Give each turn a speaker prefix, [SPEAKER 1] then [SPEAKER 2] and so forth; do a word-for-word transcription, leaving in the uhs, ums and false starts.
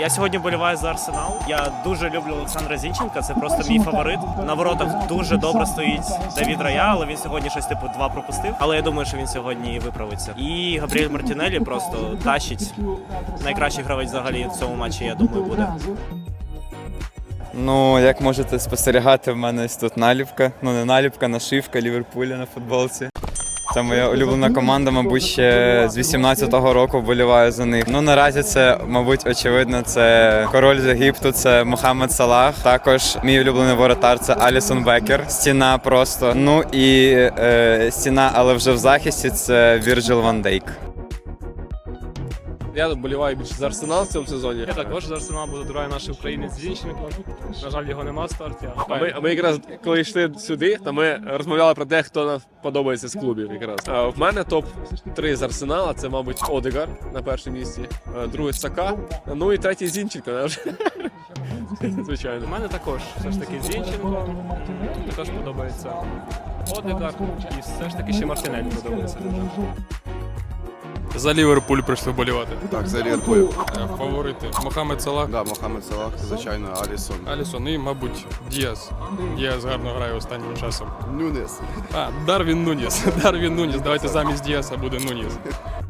[SPEAKER 1] Я сьогодні вболіваю за Арсенал. Я дуже люблю Олександра Зінченка, це просто мій фаворит. На воротах дуже добре стоїть Давід Рая, але він сьогодні щось типу два пропустив. Але я думаю, що він сьогодні виправиться. І Габріель Мартінеллі просто тащить. Найкращий гравець взагалі в цьому матчі, я думаю, буде.
[SPEAKER 2] Ну, як можете спостерігати, в мене ось тут наліпка. Ну, не наліпка, нашивка Ліверпуля на футболці. Це моя улюблена команда, мабуть, ще з вісімнадцятого року вболіваю за них. Ну, наразі це, мабуть, очевидно, це король з Єгипту, це Мохаммед Салах. Також мій улюблений воротар – це Алісон Бекер. Стіна просто. Ну і е, стіна, але вже в захисті, це Вірджил Ван Дейк.
[SPEAKER 3] Я вболіваю більше за Арсенал в цьому сезоні.
[SPEAKER 4] Я також за Арсенал, бо тут грає наш українець Зінченко. На жаль, його нема в старті.
[SPEAKER 3] А ми, а ми якраз, коли йшли сюди, то ми розмовляли про те, хто нам подобається з клубів якраз. А в мене топ три з Арсенала, це, мабуть, Одегар на першому місці, другий Сака, ну і третій Зінченко. Звичайно.
[SPEAKER 4] У мене також все ж таки Зінченко, також подобається Одегар і все ж таки ще Мартінеллі подобається дуже.
[SPEAKER 5] За Ліверпуль прийшли вболівати.
[SPEAKER 6] Так, за Ліверпуль.
[SPEAKER 5] Е, Фаворити. Мохаммед Салах,
[SPEAKER 6] Да, Мохаммед Салах, звичайно, Алісон.
[SPEAKER 5] Алісон і, мабуть, Діас. Діас гарно грає останнім часом.
[SPEAKER 6] Нюнес.
[SPEAKER 5] А, Дарвін Нуніс. Дарвін Нуніс. Давайте замість Діаса буде Нуніс.